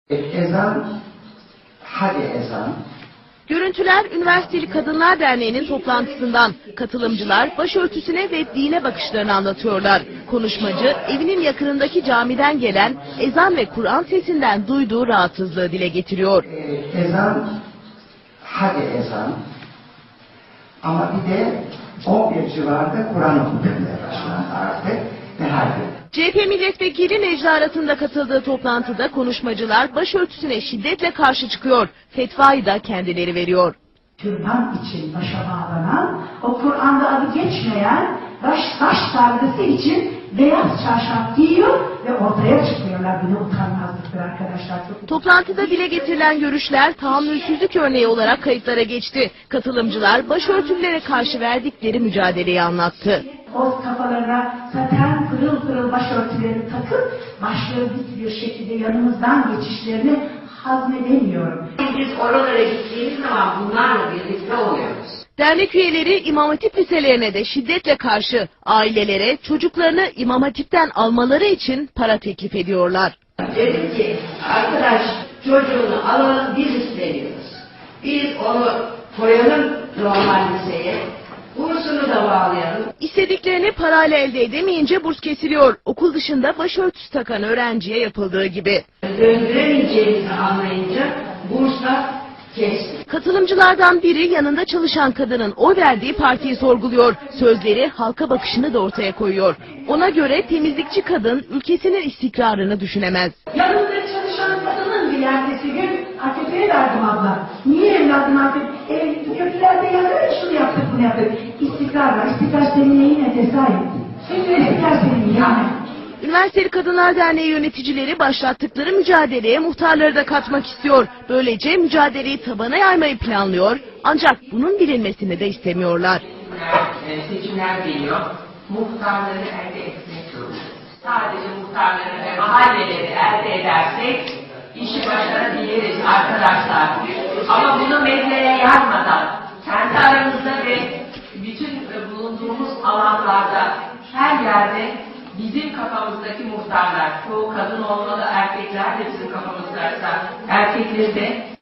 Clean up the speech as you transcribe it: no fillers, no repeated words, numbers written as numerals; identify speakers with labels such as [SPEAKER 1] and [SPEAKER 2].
[SPEAKER 1] Ezan, hadi ezan.
[SPEAKER 2] Görüntüler Üniversiteli Kadınlar Derneği'nin toplantısından. Katılımcılar başörtüsüne ve dine bakışlarını anlatıyorlar. Konuşmacı evinin yakınındaki camiden gelen ezan ve Kur'an sesinden duyduğu rahatsızlığı dile getiriyor.
[SPEAKER 1] Ezan, hadi ezan. Ama bir de 11 civarında Kur'an okunmaya başlandı artık ve hadi.
[SPEAKER 2] CHP milletvekili Necla Arat'ın da katıldığı toplantıda konuşmacılar başörtüsüne şiddetle karşı çıkıyor. Fetvayı da kendileri veriyor.
[SPEAKER 3] Türban için başa bağlanan, o Kur'an'da adı geçmeyen baş sargısı için beyaz çarşaf giyiyor ve ortaya çıkıyorlar. Bu ne utanmazlıktır arkadaşlar.
[SPEAKER 2] Toplantıda dile getirilen görüşler tahammülsüzlük örneği olarak kayıtlara geçti. Katılımcılar başörtülere karşı verdikleri mücadeleyi anlattı.
[SPEAKER 3] O kafalarına saten pırıl pırıl başörtülerini takıp başları dik bir şekilde yanımızdan geçişlerini hazmedemiyorum.
[SPEAKER 4] Biz oralara gittiğimiz zaman bunlarla birlikte oluyoruz.
[SPEAKER 2] Dernek üyeleri İmam Hatip liselerine de şiddetle karşı, ailelere çocuklarını İmam Hatip'ten almaları için para teklif ediyorlar.
[SPEAKER 4] Dedim ki arkadaş çocuğunu alalım, biz istemiyoruz. Biz onu koyalım normal liseye. Bursunu da bağlayalım.
[SPEAKER 2] İstediklerini parayla elde edemeyince burs kesiliyor. Okul dışında başörtüsü takan öğrenciye yapıldığı gibi.
[SPEAKER 4] Döndüremeyeceğimizi anlayınca burslar kesti.
[SPEAKER 2] Katılımcılardan biri yanında çalışan kadının oy verdiği partiyi sorguluyor. Sözleri halka bakışını da ortaya koyuyor. Ona göre temizlikçi kadın ülkesinin istikrarını düşünemez.
[SPEAKER 3] Yanımda çalışan kadının bir ertesi gün AKP'ye verdim abla. Niye evladım artık? Köprülerde yazıyor şunu yaptık bunu yaptık. İstikrar var. İstikrar senin neyine tesayip? Senin istikrar senin yani.
[SPEAKER 2] Üniversiteli Kadınlar Derneği yöneticileri başlattıkları mücadeleye muhtarları da katmak istiyor. Böylece mücadeleyi tabana yaymayı planlıyor. Ancak bunun bilinmesini de istemiyorlar.
[SPEAKER 4] Seçimler geliyor. Muhtarları elde etmek zorundayız. Sadece muhtarları ve mahalleleri elde edersek işi başarabiliriz arkadaşlar. Ama bunu medyaya yazmadan kendi aramızda ve bütün bulunduğumuz alanlarda her yerde bizim kafamızdaki muhtarlar, çoğu kadın olmalı, erkekler de bizim kafamızdaysa erkekleri de